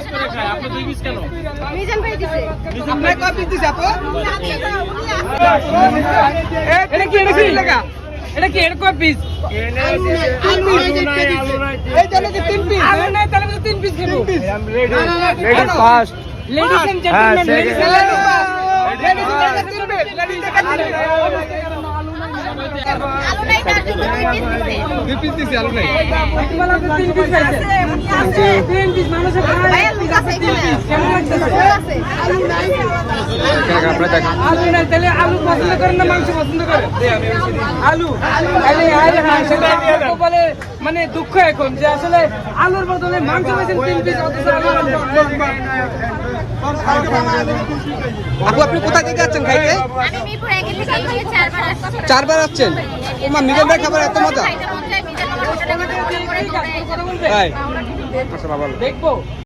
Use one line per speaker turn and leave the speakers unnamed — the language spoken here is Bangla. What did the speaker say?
করে খায়, আপনি 2 পিস কেন?
মিজান ভাই দিছে।
আপনি কয় পিস দিছে আপু?
এটা কি লাগা? এটা কি এর কয় পিস?
আলু নাই।
এই জন্য কি 3 পিস?
আলু নাই তাহলে তো 3 পিস খাবো।
Ladies first.
Ladies and gentleman, ladies and
আলু নাই তার জন্য 2 পিস দিছে।
2 পিস দিছে আলু নাই।
জেন্টলম্যান 3 পিস খাইছে। 3 পিস মানুষের খায়।
ভাইয়া লুক আছে এখানে।
কেমন লাগতেছে?
লুক আছে। আলু নাই।
আলু নাই তাহলে আলু পছন্দ করেন না মাংস পছন্দ করেন? আলু। তাহলে আরে হ্যাঁ সেটা বলে মানে দুঃখ এখন যে আসলে আলুর বদলে মাংস পেয়েছেন 3 পিস অথচ আলু নাই।
আপু আপনি কোথা থেকে যাচ্ছেন খাইতে?
আমি মিরপুর একে থেকে এখানে 4 বার আসছি।
4 বার আসছেন? ওমা মিজান ভাই খাবার এত মজা।
খাইতে মন চায়, মিজান আমার হোটেলে গিয়ে অর্ডার করে খাই।
তাই?
দেখবো